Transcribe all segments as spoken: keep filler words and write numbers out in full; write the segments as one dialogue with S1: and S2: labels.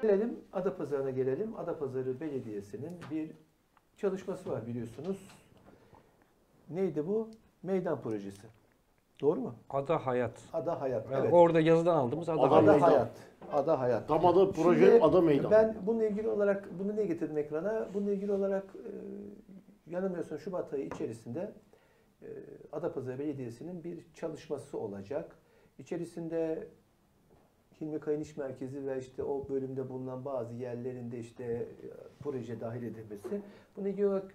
S1: gelelim Adapazarı'na gelelim. Adapazarı Belediyesi'nin bir çalışması var biliyorsunuz. Neydi bu? Meydan projesi. Doğru mu?
S2: Ada Hayat.
S1: Ada Hayat.
S2: Yani
S1: evet.
S2: Orada yazıdan aldığımız Ada,
S1: Ada,
S2: Hayat.
S1: Ada Hayat. Ada Hayat.
S3: Tam adı proje
S1: Şimdi
S3: Ada Meydan.
S1: Ben bununla ilgili olarak bunu ne getirdim ekrana? Bununla ilgili olarak e, yanılmıyorsam Şubat ayı içerisinde e, Adapazarı Belediyesi'nin bir çalışması olacak. İçerisinde Hilmi Kayın İş Merkezi ve işte o bölümde bulunan bazı yerlerinde işte e, proje dahil edilmesi. Bununla ilgili olarak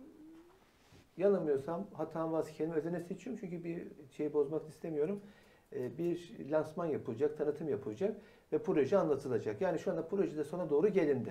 S1: yanılmıyorsam hatam varsa kendimi özene seçiyorum çünkü bir şeyi bozmak istemiyorum. E, bir lansman yapılacak, tanıtım yapılacak ve proje anlatılacak. Yani şu anda projede sona doğru gelindi.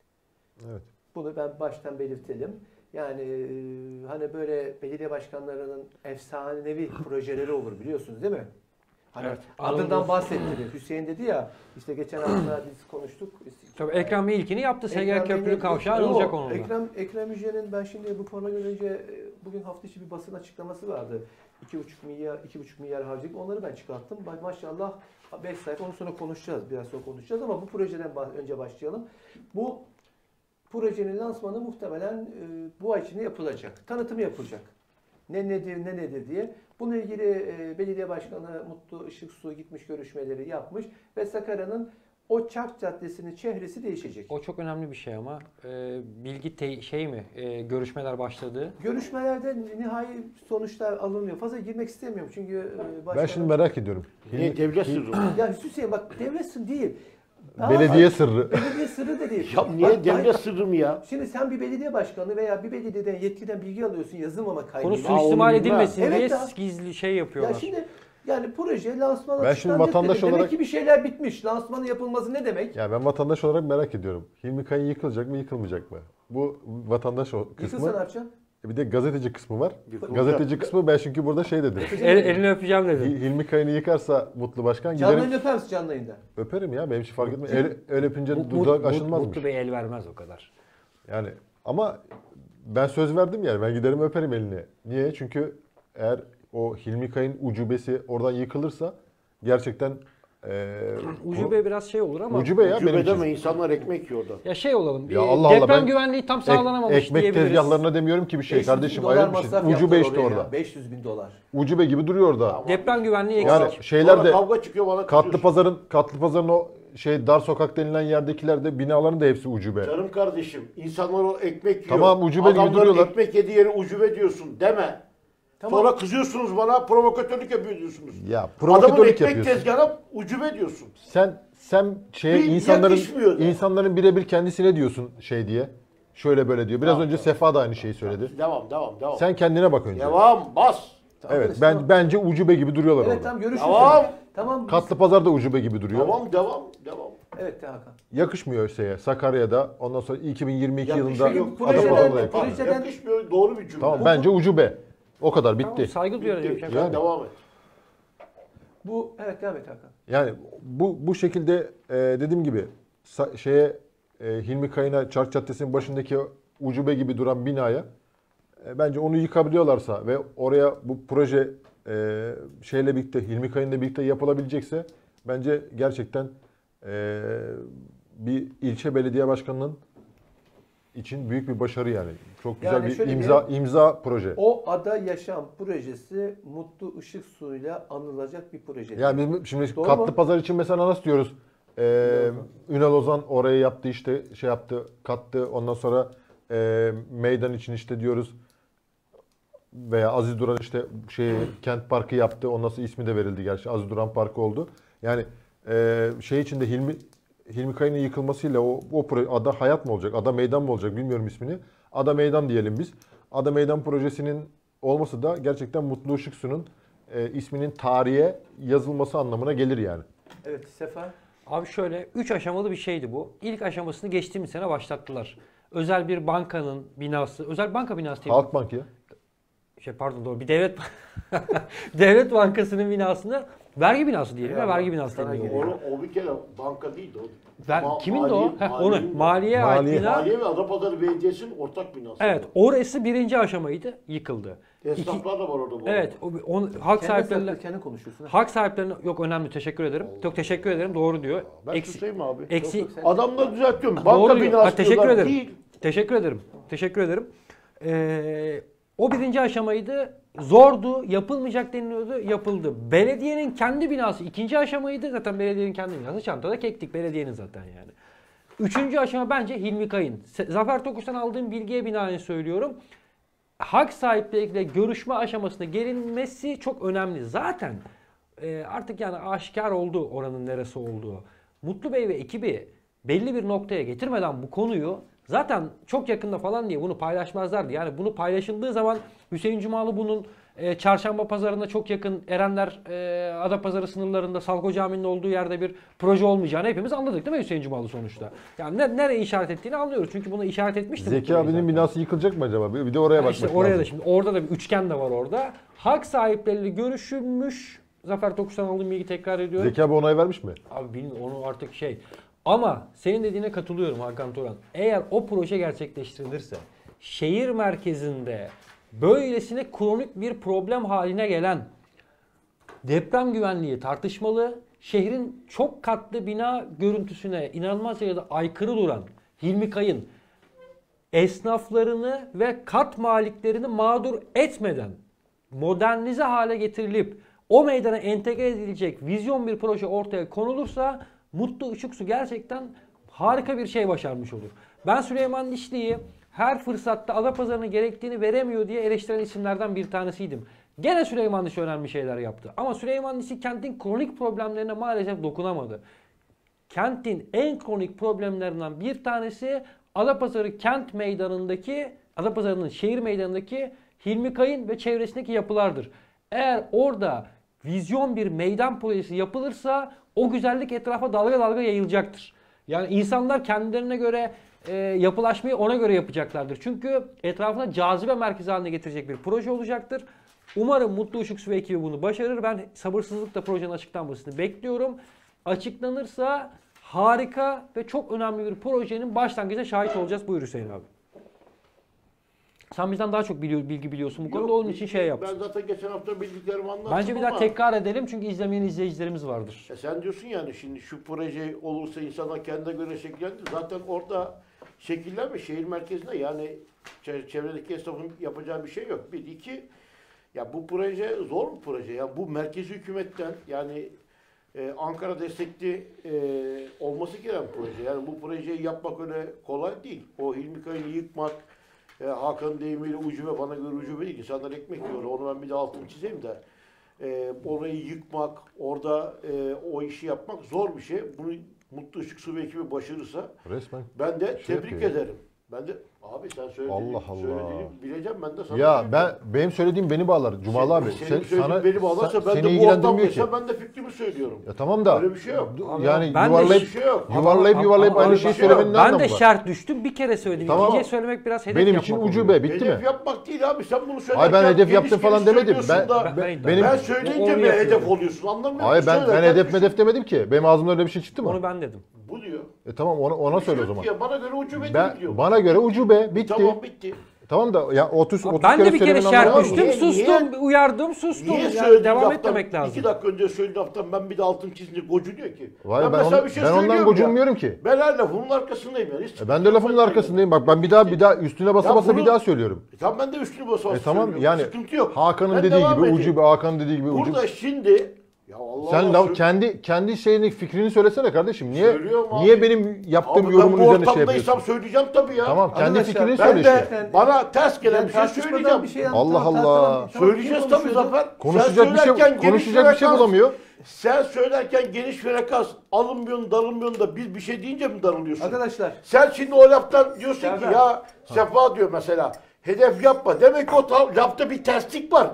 S4: Evet.
S1: Bunu ben baştan belirtelim. Yani e, hani böyle belediye başkanlarının efsanevi projeleri olur biliyorsunuz değil mi? Hani
S2: Evet,
S1: adından
S2: anladım.
S1: bahsettiniz. Hüseyin dedi ya, işte geçen hafta biz konuştuk.
S2: Tabii Ekrem Bey ilkini yaptı. Segen
S1: Ekrem
S2: Köprülü
S1: Bey'in-
S2: Kavşağı
S1: Yok,
S2: olacak onunla.
S1: Ekrem, Ekrem Yücel'in ben şimdi bu programa önce e, bugün hafta içi bir basın açıklaması vardı. iki buçuk milyar iki buçuk milyar harcadık. Onları ben çıkarttım. Bak maşallah beş sayfa, onu sonra konuşacağız. Biraz sonra konuşacağız ama bu projeden bah- önce başlayalım. Bu projenin lansmanı muhtemelen e, bu ay içinde yapılacak. Tanıtımı yapılacak. Ne nedir, ne nedir diye. Bununla ilgili e, belediye başkanı Mutlu Işıksu gitmiş, görüşmeleri yapmış ve Sakarya'nın o Çark Caddesi'nin çehresi değişecek.
S2: O çok önemli bir şey ama e, bilgi te- şey mi e, görüşmeler başladı.
S1: Görüşmelerde nihai sonuçlar alınmıyor. Fazla girmek istemiyorum çünkü e, başkanı...
S4: Ben şimdi merak ediyorum.
S3: Niye devlet sırrı mı?
S1: Ya Hüseyin bak devlet sırrı değil. Daha
S4: Belediye
S1: az-
S4: sırrı.
S1: Belediye sırrı da değil.
S3: Ya niye
S1: Bak,
S3: devlet
S1: bak-
S3: sırrı mı ya?
S1: Şimdi sen bir belediye başkanı veya bir belediyeden yetkiden bilgi alıyorsun yazılmama kaydıyla.
S2: Konu
S3: onu
S2: suistimal
S3: bilmem.
S2: edilmesin
S1: Evet
S2: diye
S1: ya.
S2: gizli şey
S1: Ya
S2: yapıyorlar.
S1: şimdi yani proje lansmanı
S4: Ben şimdi
S1: açıklanacak
S4: vatandaş
S1: dedi. Demek
S4: olarak-
S1: ki bir şeyler bitmiş. Lansmanın yapılması ne demek?
S4: Ya ben vatandaş olarak merak ediyorum. Hilmi Kayın yıkılacak mı, yıkılmayacak mı? Bu vatandaş o
S1: Yıkılsa ne
S4: kısmı.
S1: yapacaksın?
S4: Bir de gazeteci kısmı var.
S3: Yıkılacak.
S4: Gazeteci kısmı ben çünkü burada şey dedim.
S2: El, elini öpeceğim dedi.
S4: Hil- Hilmi Kayın'ı yıkarsa Mutlu Başkan
S1: Canlı
S4: giderim
S1: yayında öper misin canlı yayında?
S4: öperim ya. Benim için fark etmez. El, el öpünce
S2: Mut-
S4: dudak
S2: Mut-
S4: aşılmazmış.
S2: Mutlu Bey el vermez o kadar.
S4: Yani ama ben söz verdim yani. Ben giderim öperim elini. Niye? Çünkü eğer o Hilmi Kayın ucubesi oradan yıkılırsa gerçekten eee
S2: Ucube biraz şey olur ama
S4: ucube ya benim
S3: Cübede
S4: için.
S3: mi insanlar ekmek yiyor orada?
S2: ya şey olalım.
S4: Ya
S2: e,
S4: Allah Allah,
S2: deprem
S4: ben
S2: güvenliği tam
S4: Ek-
S2: sağlanamamış
S4: ekmek
S2: diyebiliriz.
S4: tezgahlarına demiyorum ki bir şey
S1: beş yüz bin
S4: kardeşim.
S1: dolar
S4: Ayrı bir şey.
S1: masraf
S4: Ucube
S1: yaptılar
S4: işte
S1: oraya ya.
S4: orada.
S1: beş yüz bin dolar.
S4: Ucube gibi duruyor orada.
S3: Tamam.
S2: Deprem güvenliği eksik.
S4: Yani
S3: Sonra
S4: şeyler de
S3: kavga çıkıyor bana
S4: katlı
S3: kızıyorsun.
S4: pazarın katlı pazarın o şey dar sokak denilen yerdekiler de binaların da hepsi ucube.
S3: Canım kardeşim, insanlar o ekmek yiyor.
S4: Tamam, ucube gibi
S3: Adamların
S4: duruyorlar.
S3: ekmek yediği yere ucube diyorsun deme.
S1: Tamam.
S3: Sonra kızıyorsunuz bana, provokatörlük yapıyor diyorsunuz.
S4: Ya
S3: Adamın
S4: provokatörlük
S3: ekmek
S4: yapıyorsun.
S3: tezgahına ucube diyorsun.
S4: Sen sen şeye
S3: Bir
S4: insanların
S3: yakışmıyor da.
S4: insanların birebir kendisine diyorsun şey diye. Şöyle böyle diyor. Biraz
S3: Tamam,
S4: önce
S3: tamam.
S4: Sefa da aynı şeyi söyledi.
S3: Devam, devam, devam.
S4: Sen kendine bak önce.
S3: Devam, bas.
S1: Tamam,
S4: Evet,
S1: tamam.
S4: ben bence ucube gibi duruyorlar
S1: Evet
S4: orada.
S1: tamam görüşürüz.
S3: Tamam.
S1: Tamam. biz-
S4: Katlı pazar da ucube gibi duruyor.
S3: Devam, devam, devam.
S1: Evet de Hakan.
S4: Yakışmıyor şeye. Sakarya'da ondan sonra iki bin yirmi iki
S3: Yakışıyor,
S4: yılında
S3: yok.
S1: projeden-
S4: Adapazarı'da yakışıyor.
S1: projeden-
S3: Yakışmıyor, doğru bir cümle.
S4: Tamam bence ucube. O kadar bitti.
S2: Tamam, saygı duyarız.
S3: Bitti.
S2: yapacak
S3: Sen
S4: Yani.
S3: devam et.
S1: Bu evet devam et Hakan.
S4: Yani bu bu şekilde e, dediğim gibi sa- şeye e, Hilmi Kayın'a Çark Caddesi'nin başındaki ucube gibi duran binaya e, bence onu yıkabiliyorlarsa ve oraya bu proje e, şeyle birlikte Hilmi Kayın'la birlikte yapılabilecekse bence gerçekten e, bir ilçe belediye başkanının için büyük bir başarı yani. Çok güzel
S1: Yani
S4: bir
S1: şöyle
S4: imza imza proje.
S1: O Ada Yaşam projesi Mutlu Işık Su'yla anılacak bir proje.
S4: Yani biz şimdi
S1: Doğru
S4: katlı
S1: mu?
S4: pazar için mesela nasıl diyoruz? Ee, Ünal Ozan oraya yaptı işte şey yaptı kattı ondan sonra e, meydan için işte diyoruz veya Aziz Duran işte şey kent parkı yaptı ondan sonra ismi de verildi gerçi Aziz Duran Parkı oldu. Yani e, şey içinde Hilmi Hilmi Kayın'ın yıkılmasıyla o, o proje Ada Hayat mı olacak Ada Meydan mı olacak bilmiyorum ismini. Ada Meydan diyelim biz. Ada Meydan projesinin olması da gerçekten Mutlu Işıksu'nun e, isminin tarihe yazılması anlamına gelir yani.
S1: Evet Sefa.
S2: Abi şöyle üç aşamalı bir şeydi bu. İlk aşamasını geçtiğimiz sene başlattılar. Özel bir bankanın binası, özel banka binası değil mi?
S4: Halkbank ya.
S2: Şey pardon doğru bir devlet devlet bankasının binasını Vergi binası diyelim ya,
S1: Eyvallah.
S2: vergi binası
S1: Sana
S2: diyelim.
S1: geliyor.
S3: Onu, o bir kere banka değildi o.
S2: Ver,
S3: Ma-
S2: kimin de o?
S3: maliye-
S2: Heh,
S3: maliye-
S2: onu. Maliye ait
S4: Maliye.
S2: bina.
S3: Maliye ve Adapazarı Belediyesi'nin ortak binası.
S2: Evet, orası birinci aşamaydı, yıkıldı. İki,
S3: Esnaflar da var orada bu
S2: evet,
S3: arada.
S2: o, on, halk
S1: Kendi
S2: sahiplerine
S1: saklı, kendi konuşuyorsun.
S2: halk sahiplerine yok önemli, teşekkür ederim. Çok teşekkür ederim. Doğru diyor.
S3: Ben
S2: Eksi,
S3: susayım mı abi?
S2: eksi
S1: Yok, yok, sen-
S3: Adamları düzeltiyorum.
S2: Doğru
S3: Banka
S2: diyor.
S3: binası
S2: Ha, teşekkür
S3: diyorlar,
S2: ederim.
S3: değil.
S2: Teşekkür ederim. Teşekkür ederim. Ee, o birinci aşamaydı. Zordu, yapılmayacak deniliyordu, yapıldı. Belediyenin kendi binası ikinci aşamaydı. Zaten belediyenin kendi binası. Çantada kektik belediyenin zaten yani. Üçüncü aşama bence Hilmi Kayın. Se- Zafer Tokuş'tan aldığım bilgiye binaen söylüyorum. Hak sahipleriyle görüşme aşamasına gelinmesi çok önemli. Zaten e, artık yani aşikar oldu oranın neresi olduğu. Mutlu Bey ve ekibi belli bir noktaya getirmeden bu konuyu zaten çok yakında falan diye bunu paylaşmazlardı. Yani bunu paylaşıldığı zaman Hüseyin Cumalı bunun e, Çarşamba Pazarı'na çok yakın Erenler e, Adapazarı sınırlarında Salko Camii'nin olduğu yerde bir proje olmayacağını hepimiz anladık değil mi Hüseyin Cumalı sonuçta? Yani ne, nereye işaret ettiğini anlıyoruz. Çünkü bunu işaret etmişti.
S4: Zeki
S2: Mutlu Bey
S4: abinin
S2: zaten.
S4: binası yıkılacak mı acaba? Bir bir de oraya
S2: Ha
S4: bakmak
S2: işte
S4: lazım.
S2: oraya da şimdi orada da bir üçgen de var orada. Hak sahipleriyle görüşülmüş. Zafer Tokuş'tan aldığım bilgi tekrar ediyorum.
S4: Zeki abi onay vermiş mi?
S2: Abi bilmiyorum onu artık şey. Ama senin dediğine katılıyorum Hakan Turan. Eğer o proje gerçekleştirilirse şehir merkezinde böylesine kronik bir problem haline gelen deprem güvenliği tartışmalı, şehrin çok katlı bina görüntüsüne inanılmaz derecede aykırı duran Hilmi Kayın esnaflarını ve kat maliklerini mağdur etmeden modernize hale getirilip o meydana entegre edilecek vizyon bir proje ortaya konulursa Mutlu Işıksu gerçekten harika bir şey başarmış olur. Ben Süleyman Dişli'yi her fırsatta Adapazarı'nın gerektiğini veremiyor diye eleştiren isimlerden bir tanesiydim. Gene Süleyman Dişli önemli şeyler yaptı. Ama Süleyman Dişli kentin kronik problemlerine maalesef dokunamadı. Kentin en kronik problemlerinden bir tanesi Adapazarı kent meydanındaki, Adapazarı'nın şehir meydanındaki Hilmi Kayın ve çevresindeki yapılardır. Eğer orada vizyon bir meydan projesi yapılırsa o güzellik etrafa dalga dalga yayılacaktır. Yani insanlar kendilerine göre e, yapılaşmayı ona göre yapacaklardır. Çünkü etrafına cazibe merkezi haline getirecek bir proje olacaktır. Umarım Mutlu Işıksu ve ekibi bunu başarır. Ben sabırsızlıkla projenin açıklanmasını bekliyorum. Açıklanırsa harika ve çok önemli bir projenin başlangıcına şahit olacağız. Buyur Hüseyin abi. Sen bizden daha çok biliyor, bilgi biliyorsun bu konuda.
S3: Yok,
S2: Onun için şey yap.
S3: Ben zaten geçen hafta bildiklerimi anlattım
S2: Bence bir daha
S3: ama-
S2: tekrar edelim çünkü izlemeyen izleyicilerimiz vardır.
S3: E sen diyorsun yani şimdi şu proje olursa insanlar kendine göre şekillendir. Zaten orada şekillenme şehir merkezinde yani çe- çevredeki esnafın yapacağı bir şey yok. Bir, iki, ya bu proje zor bir proje. Ya bu merkezi hükümetten yani e, Ankara destekli e, olması gereken proje. Yani bu projeyi yapmak öyle kolay değil. O Hilmi Kayın'ı yıkmak, e, Hakan'ın deyimiyle ucube, bana göre ucube değil. İnsanlar ekmek yiyor. Onu ben bir de altını çizeyim de. E, orayı yıkmak, orada e, o işi yapmak zor bir şey. Bunu Mutlu Işıksu ve ekibi başarırsa
S4: Resmen.
S3: ben de
S4: Şey
S3: tebrik
S4: yapıyor ya.
S3: ederim. Ben de abi sen söylediğini,
S4: Allah Allah.
S3: söylediğini bileceğim ben de sana.
S4: Ya
S3: söyleyeyim.
S4: ben benim söylediğim beni bağlar. Cumalı abi.
S3: Senin
S4: Sen,
S3: söylediğin
S4: sana
S3: beni bağlarsa
S4: sen-
S3: ben
S4: seni
S3: de bu
S4: ilgilendirmiyor ki.
S3: ortamdaysa ben de fikrimi söylüyorum.
S4: Ya tamam da.
S3: Öyle bir şey yok.
S2: Abi
S4: Yani
S2: ben de
S4: yuvarlayıp
S3: hiçbir şey yok.
S4: yuvarlayıp
S2: Ama-
S4: yuvarlayıp
S2: ama-
S4: aynı
S2: ama
S4: şeyi
S3: bir şey yok.
S4: söylemenin ne
S2: Ben
S4: anlamı
S2: de
S4: var?
S2: şart düştüm. Bir kere söyledim.
S4: Tamam.
S2: İkinciye söylemek biraz hedef
S4: Benim
S2: yapmak
S4: için
S2: oluyor.
S4: ucube bitti
S3: Hedef
S4: mi?
S3: yapmak değil abi. Sen bunu söylerken
S4: Hayır ben hedef
S3: geniş
S4: yaptım falan
S3: geniş
S4: demedim. Ben,
S3: söylüyorsun da
S2: Ben- ben-
S4: benim
S3: ben
S2: Onu
S3: söyleyince mi
S2: yapıyorum.
S3: hedef oluyorsun anlamıyor musun?
S4: Hayır ben ben
S3: Söylerken
S4: hedef
S3: bir şey-
S4: medef demedim ki. Benim ağzımdan öyle bir şey çıktı mı?
S2: Onu ben dedim.
S3: Bu diyor.
S4: E tamam ona ona söyle o
S3: Yok
S4: zaman.
S3: ya, bana göre ucube
S4: Ben
S3: değil diyor.
S4: bana göre ucube bitti.
S3: Tamam bitti.
S4: Tamam da ya otuz
S2: Abi
S4: otuz
S2: ben de
S4: kere
S2: bir kere
S4: söylemenin
S2: şart
S4: anlamı var mı?
S2: düştüm,
S3: Niye-
S2: sustum,
S3: niye-
S2: uyardım, sustum.
S3: Niye
S2: Yani
S3: söylediğin
S2: devam
S3: laftan,
S2: etmemek lazım.
S3: İki dakika önce söylediğin laftan ben bir de altını çizince gocunuyor ki.
S4: Vay ben,
S3: mesela
S4: on-
S3: bir şey
S4: ben ondan
S3: söylüyorum
S4: gocunmuyorum
S3: ya.
S4: ki.
S3: Ben her lafımın arkasındayım yani. Hiç
S4: E ben de lafımın
S3: sıkıntı yok.
S4: arkasındayım. Bak ben bir daha bir daha üstüne basa
S3: Ya
S4: basa
S3: bunu-
S4: bir daha söylüyorum.
S3: E tamam ben de üstünü basa basa
S4: E tamam
S3: söylüyorum.
S4: yani
S3: Sıkıntı yok.
S4: Hakan'ın
S3: Ben
S4: dediği
S3: devam
S4: gibi
S3: edeyim.
S4: ucube, Hakan'ın dediği gibi ucube.
S3: Burada şimdi ya Allah
S4: Sen
S3: Allah,
S4: laf,
S3: sö-
S4: kendi kendi şeyini fikrini söylesene kardeşim. Niye
S3: Söylüyorum abi.
S4: niye benim yaptığım
S3: Abi
S4: yorumun
S3: ben bu
S4: üzerine şey
S3: ortamdaysam
S4: yapıyorsun?
S3: söyleyeceğim tabii ya.
S4: Tamam kendi
S1: Arkadaşlar,
S4: fikrini
S3: Ben
S4: söyle
S3: de
S4: işte.
S3: bana ters gelen
S1: Yani
S3: bir şey
S1: tartışmadan
S3: söyleyeceğim.
S1: bir şey
S4: Allah
S1: anlatalım,
S4: Allah.
S1: tartışalım. Tamam,
S3: Söyleyeceğiz
S1: kim
S3: tabii
S1: konuşuyordu?
S3: Zafer.
S4: Konuşacak
S3: Sen
S4: bir şey
S3: söylerken geniş
S4: konuşacak bir şey
S3: frekans-
S4: bulamıyor.
S3: Sen söylerken geniş frekans alınmıyorsun, darılmıyorsun da biz bir şey deyince mi darılıyorsun?
S1: Arkadaşlar
S3: Sen şimdi o laftan diyorsun ki
S1: Serdar.
S3: ya Sefa diyor mesela hedef yapma. Demek ki o tam, lafta bir terslik var.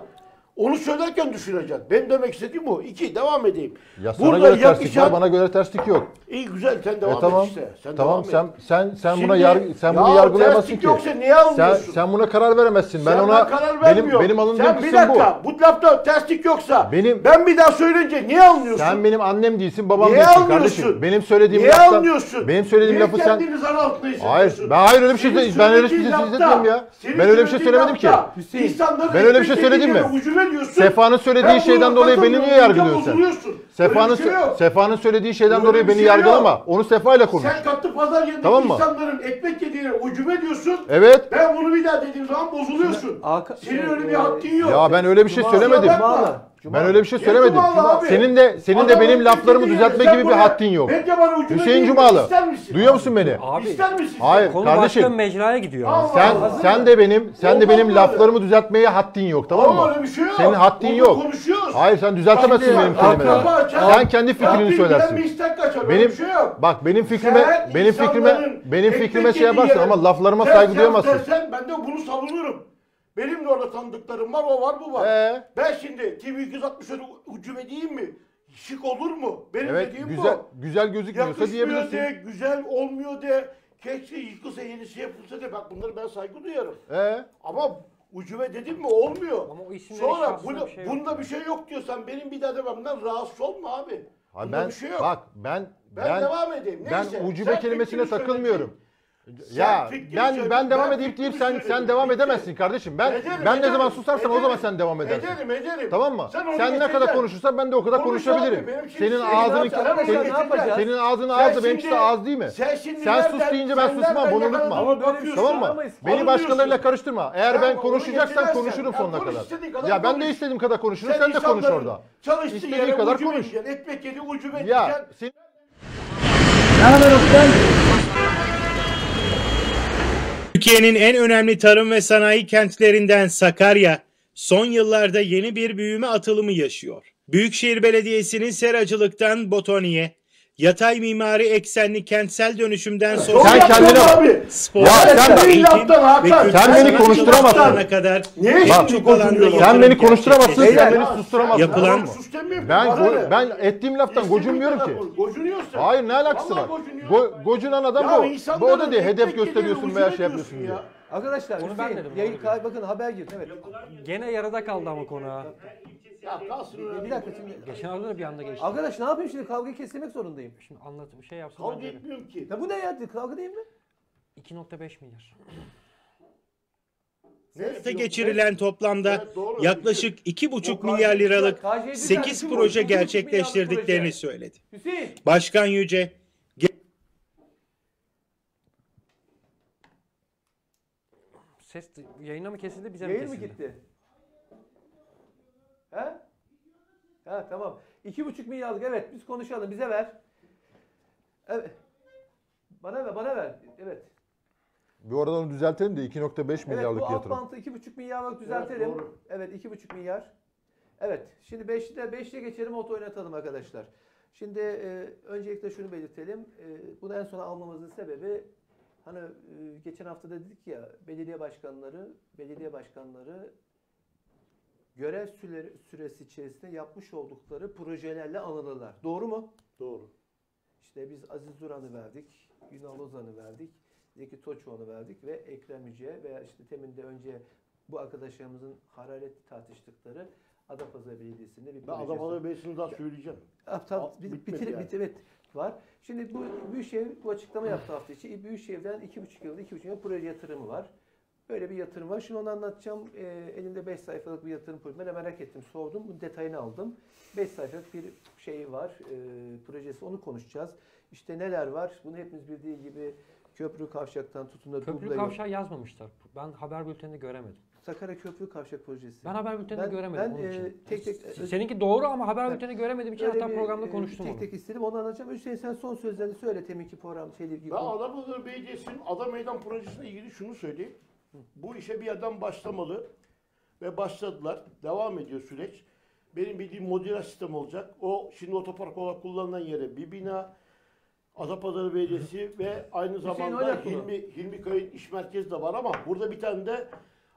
S3: Onu söylerken düşüneceksin. Ben demek istediğim o. İki, devam edeyim.
S4: Ya sana göre terslik
S3: yakışan-
S4: var, bana göre terslik yok.
S3: İyi güzel sen devam
S4: E tamam.
S3: et işte. Sen
S4: Tamam
S3: devam et.
S4: sen sen sen
S3: Şimdi-
S4: buna yar sen bunu
S3: Ya
S4: yargılayamazsın
S3: terslik
S4: ki.
S3: yoksa niye
S4: Sen
S3: almıyorsun?
S4: sen buna karar veremezsin. Ben
S3: Sen
S4: ona
S3: karar
S4: benim
S3: vermiyorum.
S4: benim alındığım
S3: Sen bir
S4: kısım bu.
S3: dakika, bu lafta terslik yoksa
S4: Benim-
S3: ben bir daha söyleyince niye almıyorsun?
S4: Sen benim annem değilsin, babam
S3: Niye
S4: değilsin
S3: almıyorsun?
S4: kardeşim. Benim söylediğim
S3: Niye
S4: laftan
S3: almıyorsun?
S4: benim söylediğim
S3: Niye
S4: lafı sen
S3: kendini zar altında hissediyorsun?
S4: Hayır, ben hayır öyle bir şey
S3: Senin
S4: ben öyle bir şey
S3: söylediğin lafta-
S4: hissetmiyorum ya.
S3: senin
S4: Ben öyle bir şey
S3: söylediğin
S4: söylemedim ki.
S3: lafta
S1: Hüseyin,
S3: insanların
S4: ben öyle bir şey
S3: ekmek
S4: söyledim mi?
S3: yediğine ucube diyorsun.
S4: Sefa'nın söylediği
S3: Ben
S4: şeyden
S3: buna
S4: dolayı beni niye
S3: katılmıyorum,
S4: yargılıyorsun sen?
S3: bozuluyorsun.
S4: Sefa'nın
S3: Öyle bir şey yok.
S4: Sefa'nın söylediği şeyden
S3: Öyle
S4: dolayı
S3: bir
S4: beni
S3: şey
S4: yargılama.
S3: yok.
S4: Onu Sefa'yla konuş.
S3: Sen katı pazar yerindeki
S4: Tamam mı?
S3: insanların ekmek yediğine ucube diyorsun.
S4: Evet.
S3: Ben bunu bir daha dediğim zaman bozuluyorsun.
S1: Hakan-
S3: Senin
S1: şey,
S3: öyle bir
S1: e,
S3: hakkın yok.
S4: Ya ben öyle bir şey
S1: Cuma-
S4: söylemedim.
S1: Cuma- Cuma-
S4: Ben öyle bir şey
S3: Ne
S4: söylemedim.
S3: Cumalı abi?
S4: Senin de senin de
S3: Adam
S4: benim
S3: ekmek
S4: laflarımı
S3: yediğine
S4: düzeltme
S3: sen
S4: gibi bir
S3: buna-
S4: haddin yok.
S3: Bence bana ucube
S4: Hüseyin
S3: değil,
S4: Cumalı.
S3: İster misin?
S4: Duyuyor musun beni?
S2: Abi
S3: İster misin?
S4: Hayır.
S2: konu
S4: kardeşim.
S2: başka bir mecraya gidiyor.
S3: Allah
S4: Sen
S3: Allah.
S4: sen de benim sen de
S3: Olmaz
S4: benim
S3: böyle.
S4: laflarımı düzeltmeye haddin yok, tamam
S3: Ama
S4: mı?
S3: öyle bir şey yok.
S4: Senin haddin
S3: Burada
S4: yok.
S3: konuşuyoruz.
S4: Hayır, sen düzeltemezsin
S3: Bak,
S4: benim
S3: bak,
S4: kelimelerimi.
S3: bak,
S4: Sen kendi fikrini
S3: Rabbim
S4: söylersin.
S3: bilen bir istek kaçar, öyle
S4: Benim
S3: bir şey yok.
S4: bak benim fikrime
S3: Sen
S4: benim fikrime
S3: insanların
S4: benim
S3: ekmek
S4: fikrime şey
S3: yediği
S4: yaparsın
S3: yere
S4: ama laflarıma
S3: ters
S4: saygı
S3: yap
S4: duyamazsın.
S3: dersen ben de bunu savunurum. Benim de orada tanıdıklarım var, o var, bu var.
S4: Ee?
S3: Ben şimdi T V iki yüz altmış öyle ucube diyeyim mi? Şık olur mu? Benim
S4: Evet,
S3: dediğim
S4: güzel
S3: bu.
S4: güzel gözükmüyorsa
S3: Yakışmıyor
S4: diyebilirsin.
S3: de, güzel olmuyor de, keşke yıkılsa yenisi yapılsa de. Bak bunları ben saygı duyarım.
S4: Ee?
S3: Ama ucube dedim mi olmuyor.
S2: Ama o isimlerin
S3: Sonra
S2: şahsında
S3: bunu,
S2: bir şey yok.
S3: bunda bir şey yok diyorsan benim bir daha dememden rahatsız olma abi.
S4: Ha,
S3: Bunda
S4: ben
S3: bir şey yok.
S4: bak ben
S3: ben,
S4: ben
S3: devam edeyim.
S4: ben
S3: Neyse,
S4: ucube
S3: sen
S4: kelimesine
S3: fikrini
S4: takılmıyorum.
S3: söyledin.
S4: Ya
S3: Sen fikrini
S4: ben
S3: söyledin,
S4: ben devam
S3: ben
S4: edeyim deyip
S3: fikrimi
S4: sen sen
S3: söyledim.
S4: devam
S3: Bitti.
S4: edemezsin kardeşim. Ben
S3: Ederim,
S4: ben ne
S3: ederim,
S4: zaman susarsan o zaman
S3: ederim.
S4: sen devam edersin.
S3: Ederim, ederim.
S4: Tamam mı?
S3: Sen, onu
S4: Sen ne kadar
S3: geçeceksin.
S4: konuşursan ben de o kadar
S3: Konuş
S4: konuşabilirim.
S3: abi, benim için
S4: Senin
S3: şey-
S4: ağzını
S3: Ne yapacağız?
S4: senin,
S1: Ne yapacağız?
S4: senin ağzın
S3: Sen
S4: ağzı benimkisi
S3: şimdi-
S4: de ağız değil mi?
S3: Sen şimdi
S4: Sen sus
S3: nereden-
S4: deyince ben
S3: sen
S4: susmam,
S3: nereden
S4: bunu
S3: yakaladın?
S4: unutma.
S1: Ama böyle bir
S3: Bakıyorsun,
S4: Tamam mı?
S1: Anlamayız.
S4: Beni
S3: anlıyorsun.
S4: başkalarıyla karıştırma. Eğer
S3: Sen
S4: ben
S3: onu
S4: konuşacaksan
S3: geçirersen,
S4: konuşurum
S3: ya
S4: sonuna
S3: konuş
S4: kadar.
S3: istediğin kadar
S4: Ya ben de
S3: konuş.
S4: istediğim kadar konuşurum. Sen de konuş
S3: insanların
S4: orada.
S3: Çalıştığı
S4: İstediğin
S3: yere
S4: kadar
S3: ucube
S4: konuş.
S3: diyeceksin, ekmek yedi ucube
S4: Ya
S3: diyeceksin.
S4: senin
S5: Türkiye'nin en önemli tarım ve sanayi kentlerinden Sakarya, son yıllarda yeni bir büyüme atılımı yaşıyor. Büyükşehir Belediyesi'nin seracılıktan botaniğe, yatay mimari eksenli kentsel dönüşümden
S3: Çok
S5: sosyal
S4: Sen
S3: yaptın
S4: kendine bak.
S3: abi.
S5: spor,
S4: Ya sen bak-
S5: eğitim
S3: Laftan Hakan,
S5: ve
S3: sen
S5: kültür
S4: beni
S5: sanat
S4: konuşturamazsın.
S5: alanlarına kadar
S3: Niye
S5: pek
S3: şimdi
S5: çok alanda
S3: konuşuyorsun?
S5: yatırım
S4: Sen beni konuşturamazsın, sen
S5: gerçekleştirdi.
S4: beni susturamazsın.
S5: Yapılan-
S4: tamam mı?
S3: Sus demiyorum,
S4: Ben
S3: bana
S4: go-
S3: ne?
S4: ben ettiğim laftan
S3: İstediğin
S4: gocunmuyorum
S3: kadar
S4: ki.
S3: konuş. Gocunuyorsun.
S4: Hayır, ne alakası
S3: Vallahi
S4: var?
S3: gocunuyorsun.
S4: Go, gocunan adam
S3: Ya
S4: bu. Bu
S3: insanların
S4: o da diye hedef
S3: ekmek yediğine
S4: gösteriyorsun veya
S3: ucube
S4: şey yapıyorsun
S3: diyorsun
S4: diye.
S3: ya.
S1: Arkadaşlar
S2: Onu ben
S1: Hüseyin,
S2: dedim,
S1: yayın
S2: onu
S1: kay- bakın haber girdi evet.
S2: Gene yarıda kaldı ama konu ha.
S3: Ya kalsın öyle.
S1: Bir dakika şimdi.
S2: Geçen hafta da bir anda geçti.
S1: Arkadaş ne yapayım şimdi, kavgayı kesmek zorundayım.
S2: Şimdi anlatım şey yapsın
S3: Kavga
S2: bence de.
S3: etmiyorum ki.
S1: Ya bu ne ya, kavga değil mi?
S2: iki nokta beş milyar.
S5: Hayata geçirilen toplamda
S3: Evet, doğru.
S5: yaklaşık iki buçuk
S3: O
S5: milyar liralık
S1: K J
S5: sekiz
S1: düzenli bu,
S5: proje
S1: iki buçuk
S5: gerçekleştirdiklerini
S1: milyarlık
S5: söyledi.
S1: proje. Hüseyin.
S5: Başkan Yüce,
S2: Ses yayına mı kesildi bize mi
S1: Yayın mı
S2: kesildi?
S1: gitti? He? Ha tamam. İki buçuk milyarlık, evet, biz konuşalım, bize ver. Evet. Bana ver, bana ver. Evet.
S4: Bir oradan onu düzeltelim de iki nokta beş
S1: Evet,
S4: milyarlık
S1: bu alt
S4: yatırım.
S1: bantı iki buçuk milyarlık düzeltelim.
S3: doğru.
S1: Evet, iki buçuk milyar. Evet. Şimdi beşte beşte geçelim, oto oynatalım arkadaşlar. Şimdi e, öncelikle şunu belirtelim. E, bunu en sona almamızın sebebi, hani e, geçen hafta da dedik ya, belediye başkanları, belediye başkanları görev süre, süresi içerisinde yapmış oldukları projelerle anılırlar. Doğru mu?
S3: Doğru.
S1: İşte biz Aziz Duran'ı verdik, Ünal Ozan'ı verdik, Zeki Toçoğlu'nu verdik ve Ekrem Yüce veya işte temin de önce bu arkadaşlarımızın hararetli tartıştıkları Adapazarı Belediyesi'nde bir
S3: Ben
S1: projesi.
S3: Adapazarı Belediyesi'ni daha söyleyeceğim.
S1: Ah, tamam,
S3: Al-
S1: bir,
S3: bitmedi
S1: bitir,
S3: yani.
S1: bit, evet var. Şimdi bu Büyükşehir bu açıklama yaptı hafta içi. Büyükşehir'den iki buçuk yılda iki buçuk yıl proje yatırımı var. Böyle bir yatırım var. Şimdi onu anlatacağım. Ee, elinde beş sayfalık bir yatırım projesi. Ben de merak ettim, sordum. Bunun detayını aldım. beş sayfalık bir şey var. E, projesi. Onu konuşacağız. İşte neler var? Bunu hepimiz bildiği gibi köprü kavşaktan tutun da
S2: Köprü
S1: duble yol.
S2: kavşağı yazmamışlar. Ben haber bülteninde göremedim.
S1: Sakarya Köprü Kavşak Projesi.
S2: Ben haber bülteninde
S1: Ben-
S2: göremedim
S1: ben,
S2: onun
S1: e,
S2: için.
S1: tek tek-
S2: S- Seninki doğru ama haber
S1: Evet.
S2: bülteninde göremediğim için
S1: Öyle
S2: hatta
S1: bir,
S2: programda
S1: e,
S2: konuştum
S1: tek
S2: onu.
S1: tek istedim. Onu anlatacağım. Hüseyin, sen son sözlerini söyle. Teminki program şeyle ilgili.
S3: Ben Adapazarı Belediyesi'nin Ada Meydan Projesi'ne ilgili şunu söyleyeyim. Bu işe bir adam başlamalı ve başladılar. Devam ediyor süreç. Benim bildiğim modüler sistem olacak. O şimdi otopark olarak kullanılan yere bir bina, Adapazarı Belediyesi ve aynı
S1: Hüseyin
S3: zamanda
S1: oynat bunu.
S3: Hilmi, Hilmi Kayın iş merkezi de var ama burada bir tane de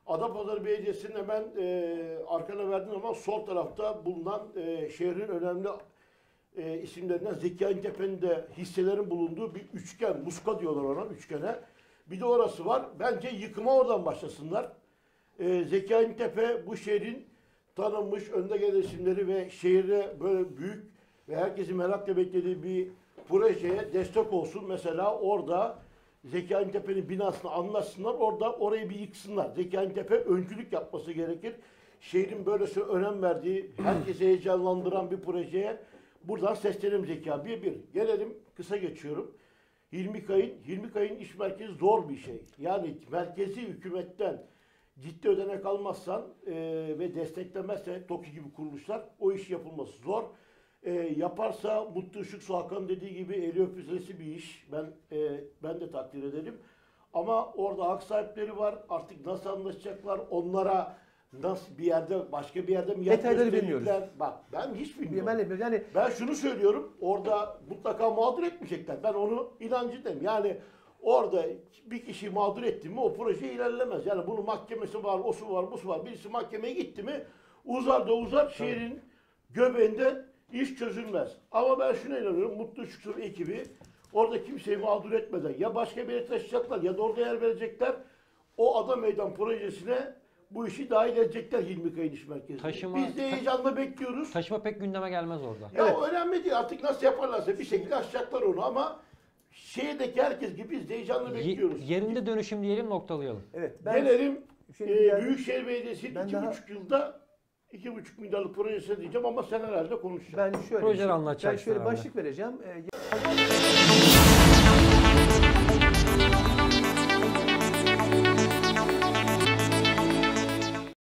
S3: Adapazarı Belediyesi'nin hemen e, arkana verdiğim zaman sol tarafta bulunan e, şehrin önemli e, isimlerinden Zeki Ayntepe'nin de hisselerin bulunduğu bir üçgen, muska diyorlar ona, üçgene. Bir de orası var. Bence yıkıma oradan başlasınlar. E, Zeki Ayntepe bu şehrin tanınmış önde gelen isimleri ve şehirde böyle büyük ve herkesin merakla beklediği bir projeye destek olsun. Mesela orada Zeki Ayntepe'nin binasını anlatsınlar. Orada orayı bir yıksınlar. Zeki Ayntepe öncülük yapması gerekir. Şehrin böylesi önem verdiği, herkesi heyecanlandıran bir projeye buradan seslenelim Zeki abi. Bir bir. Gelelim, kısa geçiyorum. Hilmi Kayın, Hilmi Kayın iş merkezi zor bir şey. Yani merkezi hükümetten ciddi ödenek almazsan e, ve desteklemezse TOKİ gibi kuruluşlar o iş yapılması zor. E, yaparsa Mutlu Işık Su Hakan dediği gibi eli öpüzesi bir iş. Ben e, ben de takdir ederim. Ama orada hak sahipleri var. Artık nasıl anlaşacaklar? Onlara nasıl bir yerde, başka bir yerde mi
S1: Detayları
S3: gösterecekler?
S1: bilmiyoruz.
S3: Bak ben hiç bilmiyorum.
S1: Ben de bilmiyorum. Yani
S3: Ben şunu söylüyorum. Orada mutlaka mağdur etmeyecekler. Ben onu inancındayım. Yani orada bir kişi mağdur etti mi o proje ilerlemez. Yani bunun mahkemesi var, o su var, bu su var. Birisi mahkemeye gitti mi uzar da uzar şehrin göbeğinde iş çözülmez. Ama ben şuna inanıyorum. Mutlu Işık ekibi orada kimseyi mağdur etmeden ya başka bir yere taşıyacaklar ya da orada yer verecekler. O Ada Meydan projesine bu işi dahil edecekler Hilmi Kayın İş Merkezi'ne.
S2: Taşıma-
S3: Biz de heyecanla bekliyoruz.
S2: Taşıma pek gündeme gelmez orada.
S3: Ya
S1: Evet.
S3: o önemli değil. Artık nasıl yaparlarsa bir şekilde aşacaklar onu ama şehirdeki herkes gibi biz de heyecanla
S2: Ye-
S3: bekliyoruz.
S2: yerinde dönüşüm diyelim, noktalayalım.
S1: evet ben
S3: Gelelim
S1: Şimdi
S3: e,
S1: yani-
S3: Büyükşehir Belediyesi'nin
S1: Ben
S3: iki
S1: daha-
S3: buçuk yılda iki buçuk milyarlık projesi diyeceğim ama senelerce konuşacağım.
S1: ben şöyle
S2: Projeleri
S1: ben
S2: anlatacaksın
S1: şöyle
S2: abi.
S1: başlık vereceğim. Ee,